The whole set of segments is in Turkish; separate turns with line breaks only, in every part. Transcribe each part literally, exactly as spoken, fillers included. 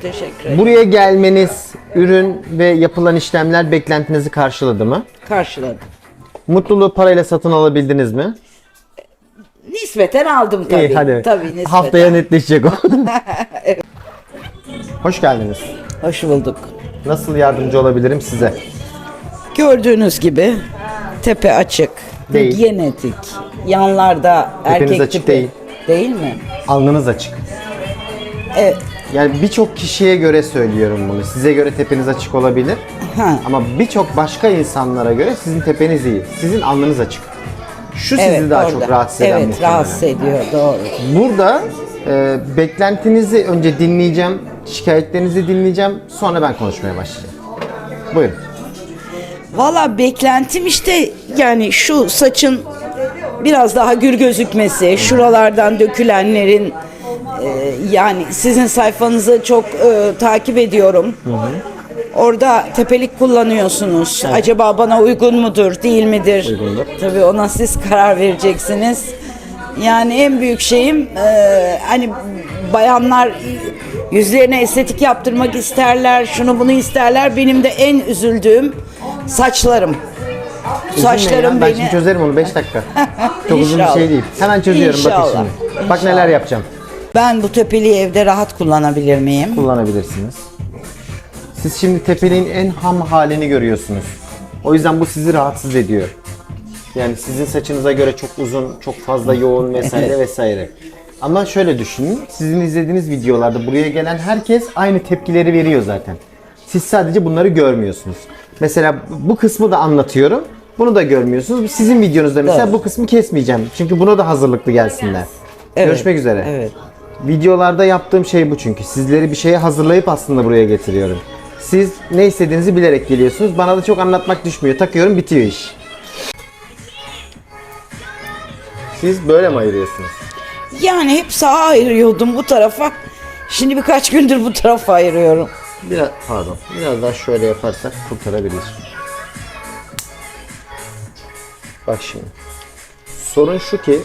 teşekkür ederim.
Buraya gelmeniz, ürün ve yapılan işlemler beklentinizi karşıladı mı?
Karşıladım.
Mutluluğu parayla satın alabildiniz mi?
Nispeten aldım tabii.
İyi, hadi.
Tabii nispeten.
Haftaya netleşecek o. Evet. Hoş geldiniz.
Hoş bulduk.
Nasıl yardımcı olabilirim size?
Gördüğünüz gibi tepe açık,
Değil.
genetik, yanlarda
Tepeniz
erkek
açık
tipi.
değil.
Değil mi?
Alnınız açık.
Evet.
Yani birçok kişiye göre söylüyorum bunu. Size göre tepeniz açık olabilir.
Ha.
Ama birçok başka insanlara göre sizin tepeniz iyi. Sizin alnınız açık. Şu sizi
Evet,
daha
orada.
çok rahatsız eden
Evet,
muhtemelen.
rahatsız ediyor. Doğru.
Burada e, beklentinizi önce dinleyeceğim, şikayetlerinizi dinleyeceğim, sonra ben konuşmaya başlayacağım. Buyurun.
Valla beklentim işte yani şu saçın biraz daha gür gözükmesi, şuralardan dökülenlerin e, yani sizin sayfanızı çok e, takip ediyorum. Orada tepelik kullanıyorsunuz. Acaba bana uygun mudur, değil midir?
Uygundur.
Tabii ona siz karar vereceksiniz. Yani en büyük şeyim e, hani bayanlar yüzlerine estetik yaptırmak isterler, şunu bunu isterler. Benim de en üzüldüğüm saçlarım. Saçlarım
ben
beni...
şimdi çözerim onu beş dakika. Çok uzun bir
İnşallah.
şey değil. Hemen çözüyorum bakın
İnşallah.
şimdi. Bak
İnşallah.
neler yapacağım.
Ben bu tepeliği evde rahat kullanabilir miyim?
Kullanabilirsiniz. Siz şimdi tepeliğin en ham halini görüyorsunuz. O yüzden bu sizi rahatsız ediyor. Yani sizin saçınıza göre çok uzun, çok fazla yoğun vesaire
Evet.
vesaire. Ama şöyle düşünün, sizin izlediğiniz videolarda buraya gelen herkes aynı tepkileri veriyor zaten. Siz sadece bunları görmüyorsunuz. Mesela bu kısmı da anlatıyorum, bunu da görmüyorsunuz. Sizin videonuzda mesela
Doğru.
bu kısmı kesmeyeceğim. Çünkü buna da hazırlıklı gelsinler.
Evet.
Görüşmek üzere.
Evet.
Videolarda yaptığım şey bu çünkü. Sizleri bir şeye hazırlayıp aslında buraya getiriyorum. Siz ne istediğinizi bilerek geliyorsunuz. Bana da çok anlatmak düşmüyor. Takıyorum, bitiyor iş. Siz böyle mi ayırıyorsunuz?
Yani hep sağa ayırıyordum bu tarafa. Şimdi birkaç gündür bu tarafa ayırıyorum.
Biraz pardon. Biraz daha şöyle yaparsak kurtarabilir. Bak şimdi. Sorun şu ki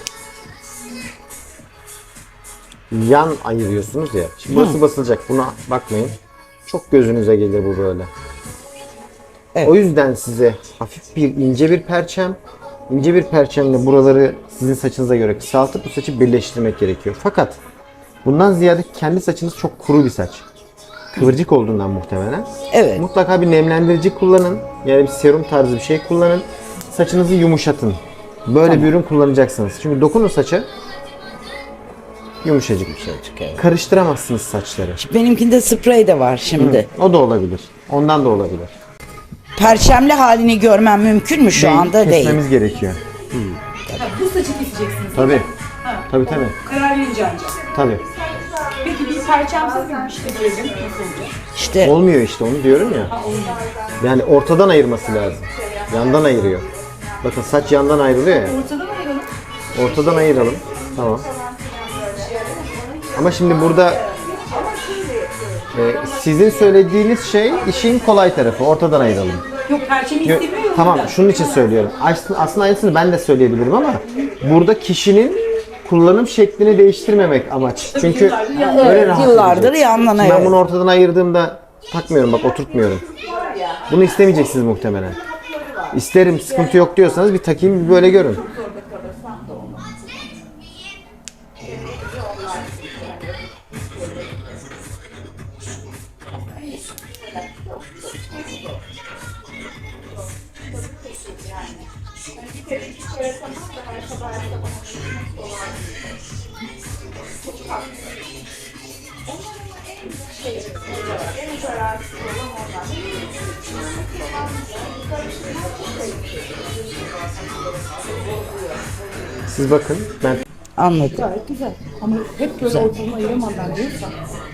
yan ayırıyorsunuz ya. Şimdi burası basılacak. Buna bakmayın. Çok gözünüze gelir bu böyle.
Evet.
O yüzden size hafif bir ince bir perçem, ince bir perçemle buraları sizin saçınıza göre kısaltıp bu saçı birleştirmek gerekiyor. Fakat bundan ziyade kendi saçınız çok kuru bir saç. Kıvırcık olduğundan muhtemelen.
Evet.
Mutlaka bir nemlendirici kullanın. Yani bir serum tarzı bir şey kullanın. Saçınızı yumuşatın. Böyle
Tamam.
bir ürün kullanacaksınız. Çünkü dokunun saça yumuşacık.
Yumuşacık, evet.
Karıştıramazsınız saçları.
Benimkinde sprey de var şimdi.
O da olabilir. Ondan da olabilir.
Perçemli halini görmem mümkün mü şu
Değil,
anda? Değil.
kesmemiz gerekiyor.
Bu saçı keseceksiniz.
Tabii. Tabii tabii.
Karar verince ancak.
Tabii.
Peki bir perçemsiz bir işte diyelim. Nasıl olacak?
İşte
Olmuyor işte, onu diyorum ya. Yani ortadan ayırması lazım. Yandan ayırıyor. Bakın saç yandan ayrılıyor ya.
Ortada mı ayıralım?
Ortadan ayıralım. Tamam. Ama şimdi burada e, sizin söylediğiniz şey işin kolay tarafı. Ortadan ayıralım.
Yok perçemi
Yo-
istemiyor ya.
Tamam, şunun için söylüyorum. Aslında, aslında aynısını ben de söyleyebilirim ama burada kişinin kullanım şeklini değiştirmemek amaç. Çünkü
yıllardır
öyle
Evet,
rahat
yıllardır
edecek.
yandan
Ben
ayırıyorum.
bunu ortadan ayırdığımda takmıyorum, bak oturtmuyorum. Bunu istemeyeceksiniz muhtemelen. İsterim, sıkıntı yok diyorsanız bir takayım, bir böyle görün. Siz bakın, ben
anladım.
Gayet güzel. Ama hep böyle ortadan ayıramadan diyorsan.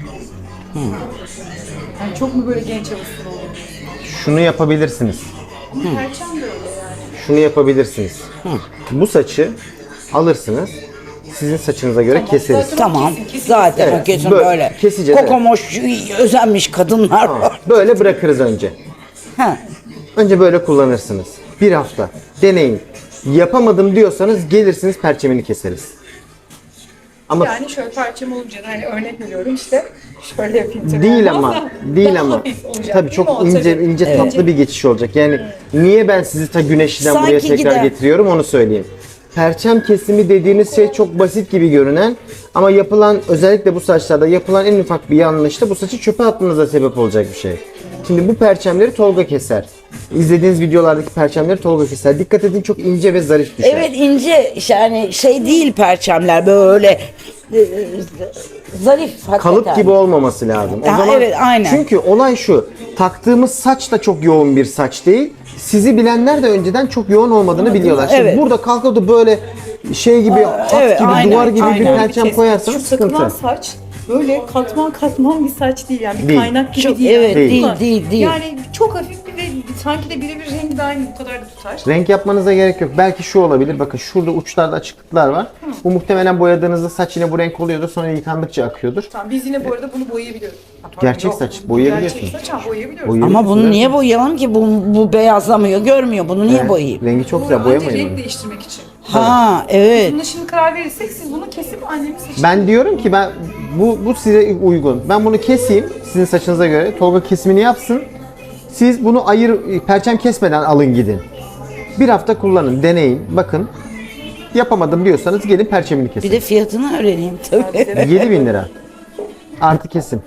Yani çok mu böyle genç havasında olur?
şunu yapabilirsiniz.
Perçem de öyle yani.
Şunu yapabilirsiniz. Bu saçı alırsınız, sizin saçınıza göre keseriz.
Tamam. Zaten
Evet,
o kesin
böyle
böyle.
keseceğiz, evet.
Kokomoş özenmiş kadınlar var.
Böyle bırakırız önce.
Ha.
Önce böyle kullanırsınız. Bir hafta deneyin. Yapamadım diyorsanız gelirsiniz, perçemini keseriz. Ama
Yani şöyle perçem olunca da hani örnek veriyorum işte şöyle yapayım tabii.
değil
Olmaz
ama
da
değil
daha
ama
hafif olacak,
tabii
değil mi
çok
o?
ince
Tabii.
ince tatlı bir geçiş olacak. Yani niye ben sizi ta güneşten
Sanki
buraya tekrar
gider.
getiriyorum onu söyleyeyim. Perçem kesimi dediğiniz şey çok basit gibi görünen ama yapılan, özellikle bu saçlarda yapılan en ufak bir yanlışta bu saçı çöpe atmanıza sebep olacak bir şey. Şimdi bu perçemleri Tolga keser. İzlediğiniz videolardaki perçemleri Tolga keser. Dikkat edin, çok ince ve zarif düşer.
Evet, ince, yani şey değil perçemler, böyle e, zarif hakikaten.
Kalıp gibi olmaması lazım. O
Ha,
zaman
evet, aynen.
Çünkü olay şu. Taktığımız saç da çok yoğun bir saç değil. Sizi bilenler de önceden çok yoğun olmadığını biliyorlar. Şimdi
Evet.
burada kalkıp da böyle şey gibi, at
evet,
gibi,
aynen,
duvar gibi bir
aynen.
perçem
Kes-
koyarsanız
Şu takılan
sıkıntı.
saç böyle katman katman bir saç değil yani bir
Değil.
kaynak gibi
Çok-
değil.
evet,
yani.
değil,
Ama
değil, değil.
Yani çok hafif bir ve sanki de birebir rengi de aynı bu kadar da tutar.
Renk yapmanıza gerek yok. Belki şu olabilir. Bakın şurada uçlarda açıklıklar var. Bu muhtemelen boyadığınızda saç yine bu renk oluyordur. Sonra yıkandıkça akıyordur.
Tamam biz yine bu arada bunu boyayabiliyoruz. Ha, pardon,
Gerçek
yok.
saç, boyayabiliyorsun.
Gerçek saç ha boyayabiliyoruz.
Boyayabiliyorsun.
Ama bunu niye boyayalım ki? Bu, bu beyazlamıyor, görmüyor. Bunu niye
Evet,
boyayayım?
rengi çok
Bu
güzel,
anca
boyamayın
renk
bunu.
değiştirmek için.
Ha, evet.
Buna şimdi karar verirsek siz bunu kesip annemin saçını...
Ben diyorum ki ben bu bu size uygun. Ben bunu keseyim sizin saçınıza göre. Tolga kesimini yapsın. Siz bunu ayır, perçem kesmeden alın gidin. Bir hafta kullanın, deneyin, bakın. Yapamadım diyorsanız gelin perçemini kesin.
Bir de fiyatını öğreneyim tabii.
yedi bin lira. Artı kesim.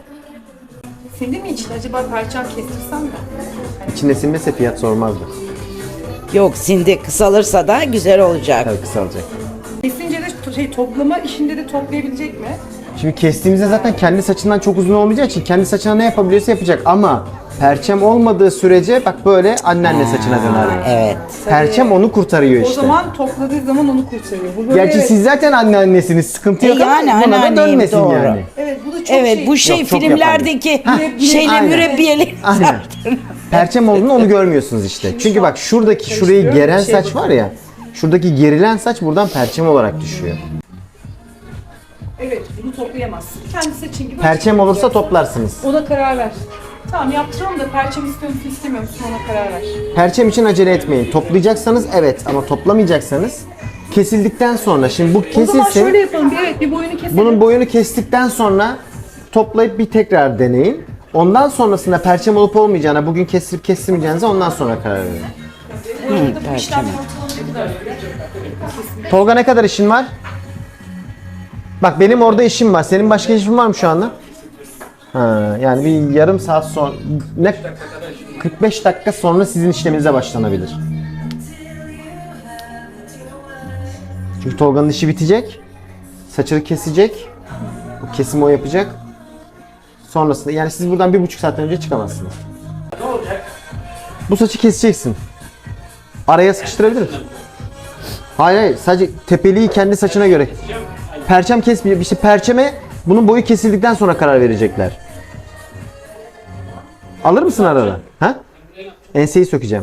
Senin mi için acaba perçem kestirsem mi?
İçinde sinmese fiyat sormazdı.
Yok, sindi, kısalırsa da güzel olacak.
Tabii kısalacak.
Kesince de to- şey toplama işinde de toplayabilecek mi?
Şimdi kestiğimizde zaten kendi saçından çok uzun olmayacağı için kendi saçına ne yapabiliyorsa yapacak ama perçem olmadığı sürece bak böyle anneanne saçına döner.
Evet.
Perçem onu kurtarıyor
O
işte.
zaman topladığı zaman onu kurtarıyor. Bu böyle
Gerçi
evet,
siz zaten anneannesiniz, sıkıntı
E
yok
yani
ama buna da
anneanneyim,
dönmesin
doğru.
yani.
evet bu da çok
Evet,
şey.
bu şey
Yok, çok
filmlerdeki
yaparım.
şeyle
aynen.
mürebbiyeli.
Aynen. Perçem olduğunu onu görmüyorsunuz işte. Çünkü bak şuradaki şurayı
Karıştırıyorum,
geren
bir şey
saç var ya. Şuradaki gerilen saç buradan perçem olarak düşüyor.
Evet bunu toplayamazsın. Kendi saçın gibi.
Perçem olursa
açıklayacaksın.
toplarsınız.
Ona karar ver. Tamam yaptıralım da perçem istiyor musun istemiyor musun ona karar ver.
Perçem için acele etmeyin. Toplayacaksanız evet ama toplamayacaksanız kesildikten sonra şimdi bu
O zaman şöyle
kesilsin.
yapalım. Bir, evet bir boyunu keselim.
Bunun boyunu kestikten sonra toplayıp bir tekrar deneyin. Ondan sonrasında perçem olup olmayacağına, bugün kestirip kestirmeyeceğinize ondan sonra karar verin.
Bu arada bu işlem ortalama ne kadar sürer?
Tolga ne kadar işin var? Bak benim orada işim var. Senin başka işin var mı şu anda? Ha, yani bir yarım saat sonra ne kırk beş dakika sonra sizin işleminize başlanabilir. Çünkü Tolga'nın işi bitecek. Saçını kesecek. Bu kesimi o yapacak. Sonrasında yani siz buradan bir buçuk saatten önce çıkamazsınız. Bu saçı keseceksin. Araya sıkıştırabilir misin? Hayır hayır, sadece tepeliği kendi saçına göre. Perçem kesmiyor. İşte perçeme bunun boyu kesildikten sonra karar verecekler. Alır mısın arada? Ha? Enseyi sökeceğim.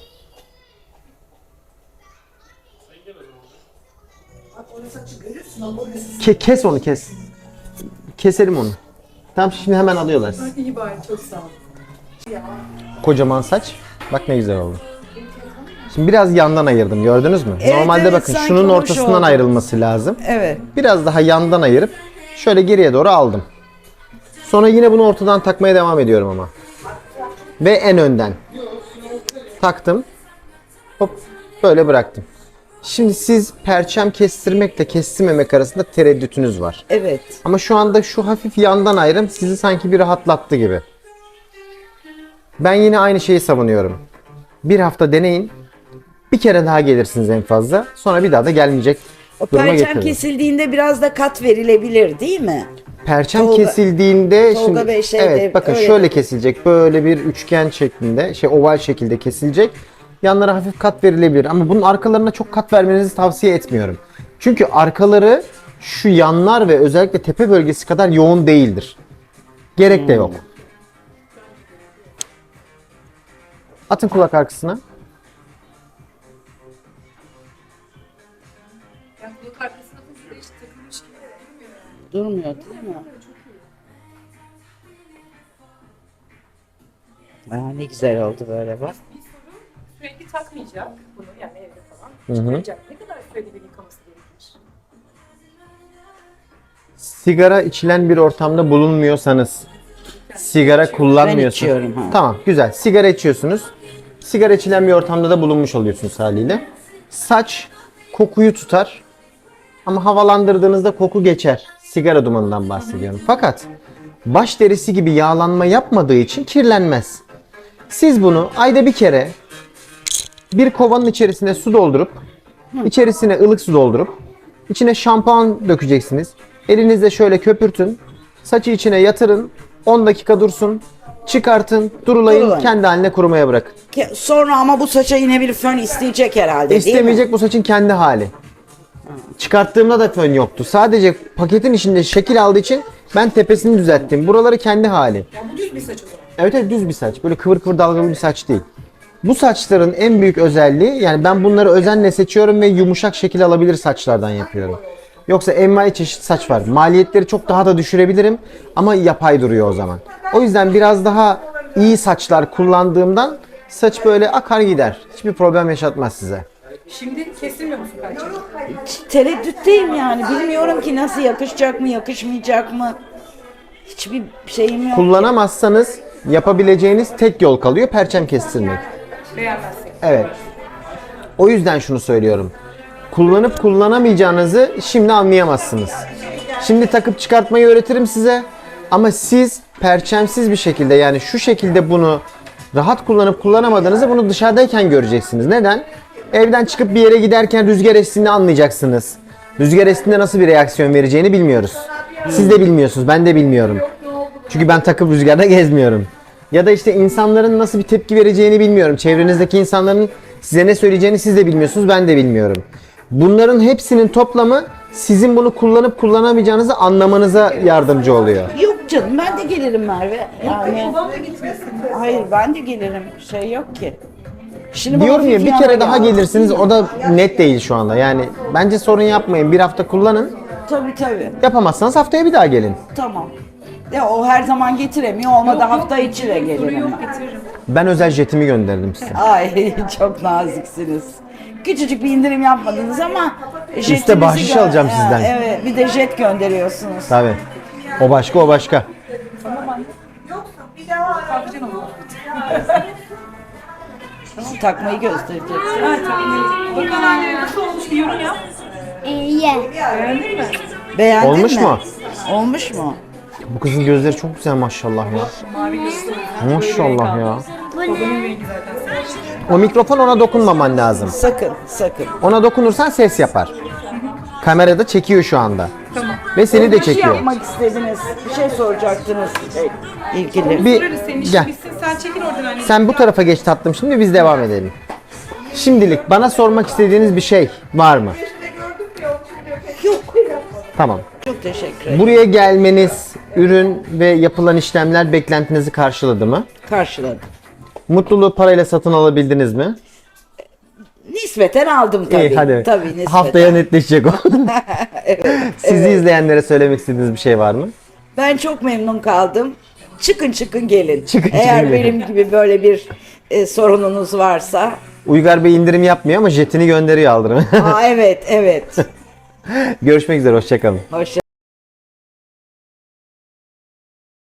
Ke kes onu kes. Keselim onu. Tamam şimdi hemen alıyorlar.
İyi bari çok sağ ol.
Kocaman saç. Bak ne güzel oldu. Şimdi biraz yandan ayırdım, gördünüz mü?
Evet,
Normalde
evet,
bakın
sanki
şunun
hoş
ortasından
oldu.
ayrılması lazım.
Evet.
Biraz daha yandan ayırıp şöyle geriye doğru aldım. Sonra yine bunu ortadan takmaya devam ediyorum ama. Ve en önden. Taktım. Hop böyle bıraktım. Şimdi siz perçem kestirmekle kestirmemek arasında tereddütünüz var.
Evet.
Ama şu anda şu hafif yandan ayrım sizi sanki bir rahatlattı gibi. Ben yine aynı şeyi savunuyorum. Bir hafta deneyin. Bir kere daha gelirsiniz en fazla. Sonra bir daha da gelmeyecek
O
duruma
perçem
getirin.
kesildiğinde biraz da kat verilebilir değil mi?
Perçem
Tolga-
kesildiğinde
Tolga
şimdi
Bey şey de
evet bakın
öyle
şöyle
dedi.
kesilecek. Böyle bir üçgen şeklinde, şey oval şekilde kesilecek. Yanlara hafif kat verilebilir ama bunun arkalarına çok kat vermenizi tavsiye etmiyorum. Çünkü arkaları şu yanlar ve özellikle tepe bölgesi kadar yoğun değildir. Gerek de yok. Atın kulak arkasına.
Yani kulak arkasına da hiç takılmış gibi durmuyor.
Durmuyor değil mi? Aa, ne güzel oldu böyle bak.
Bir soru sürekli takmayacak bunu yani evde falan.
Hı hı.
Çıkaracak. Ne kadar sürede bir yıkaması gerekir?
sigara içilen bir ortamda bulunmuyorsanız, sigara kullanmıyorsunuz.
içiyorum, ha.
Tamam, güzel. Sigara içiyorsunuz. Sigara içilen bir ortamda da bulunmuş oluyorsunuz haliyle. Saç kokuyu tutar ama havalandırdığınızda koku geçer. Sigara dumanından bahsediyorum. Fakat baş derisi gibi yağlanma yapmadığı için kirlenmez. Siz bunu ayda bir kere bir kovanın içerisine su doldurup, içerisine ılık su doldurup, içine şampuan dökeceksiniz. Elinizle şöyle köpürtün. Saçı içine yatırın. on dakika dursun. Çıkartın, durulayın,
Durulayın.
kendi haline kurumaya bırakın.
Ke- Sonra ama bu saça yine bir fön isteyecek herhalde, değil mi?
İstemeyecek, bu saçın kendi hali. Çıkarttığımda da fön yoktu. Sadece paketin içinde şekil aldığı için ben tepesini düzelttim. Buraları kendi hali.
Bu düz bir saç o zaman.
Evet, evet, düz bir saç. Böyle kıvır kıvır dalgalı bir saç değil. Bu saçların en büyük özelliği, yani ben bunları özenle seçiyorum ve yumuşak şekil alabilir saçlardan yapıyorum. Yoksa envai çeşit saç var. Maliyetleri çok daha da düşürebilirim ama yapay duruyor o zaman. O yüzden biraz daha iyi saçlar kullandığımdan saç böyle akar gider. Hiçbir problem yaşatmaz size.
Şimdi kesilmiyor musun perçemi?
Tereddütteyim yani. Bilmiyorum ki nasıl yakışacak mı, yakışmayacak mı? Hiçbir şeyim yok.
Kullanamazsanız yapabileceğiniz tek yol kalıyor: perçem kestirmek.
Beğenmezsin.
Evet. O yüzden şunu söylüyorum. Kullanıp kullanamayacağınızı şimdi anlayamazsınız. Şimdi takıp çıkartmayı öğretirim size. Ama siz perçemsiz bir şekilde, yani şu şekilde bunu rahat kullanıp kullanamadığınızı bunu dışarıdayken göreceksiniz. Neden? Evden çıkıp bir yere giderken rüzgar estiğini anlayacaksınız. Rüzgar estiğinde nasıl bir reaksiyon vereceğini bilmiyoruz. Siz de bilmiyorsunuz, ben de bilmiyorum. Çünkü ben takıp rüzgarda gezmiyorum. Ya da işte insanların nasıl bir tepki vereceğini bilmiyorum. Çevrenizdeki insanların size ne söyleyeceğini siz de bilmiyorsunuz, ben de bilmiyorum. Bunların hepsinin toplamı sizin bunu kullanıp kullanamayacağınızı anlamanıza yardımcı oluyor.
Yok canım, ben de gelirim Merve. Yani
Babam da gitmesin.
hayır, ben de gelirim. Şey yok ki. Şimdi bana
Diyorum ya, bir
Vivian'a
kere daha
geldi.
gelirsiniz, o da net değil şu anda. Yani bence sorun yapmayın, bir hafta kullanın.
Tabii tabii.
Yapamazsanız haftaya bir daha gelin.
Tamam. Ya o her zaman getiremiyor. Olmadı
Yok,
hafta
yok,
içi de
sorun
gelirim.
yok,
ben.
getiririm.
Ben özel jetimi gönderdim size.
Ay çok naziksiniz. Küçücük bir indirim yapmadınız ama jetinizi
bahşiş
gö-
alacağım
Ha,
sizden.
Evet, bir de jet gönderiyorsunuz.
Tabii. O başka, o başka.
Patlıcan olur.
Takmayı göstereceksin.
Ha tabii. Bakalım anne nasıl olmuş, bir yorum yap.
İyi.
Beğendin mi?
Beğendin
Olmuş
mi?
mu?
Olmuş mu?
Bu kızın gözleri çok güzel maşallah ya.
Mavi gözlü.
Maşallah ya.
Babanın rengi zaten.
O mikrofon, ona dokunmaman lazım.
Sakın, sakın.
Ona dokunursan ses yapar. Kamerada çekiyor şu anda.
Tamam.
Ve seni de
Bir şey
çekiyor.
yapmak istediniz. Bir şey soracaktınız. Şey, ilgili.
Bir
Sorarız, senin işin
gel.
bitsin, sen çekil oradan anne.
Sen bu tarafa geç tatlım, şimdi biz devam edelim. Şimdilik bana sormak istediğiniz bir şey var mı?
Yok.
Tamam.
Çok teşekkür ederim.
Buraya gelmeniz, ürün ve yapılan işlemler beklentinizi karşıladı mı?
Karşıladım.
Mutluluğu parayla satın alabildiniz mi?
Nispeten aldım tabii.
İyi, hadi.
Tabii nispeten.
Haftaya netleşecek o. Sizi izleyenlere söylemek istediğiniz bir şey var mı?
Ben çok memnun kaldım. Çıkın çıkın gelin.
Çıkın,
Eğer
çıkın gelin.
benim gibi böyle bir e, sorununuz varsa.
Uygar Bey indirim yapmıyor ama jetini gönderiyor aldırım.
Aa evet evet.
Görüşmek üzere, hoşçakalın.
Hoşça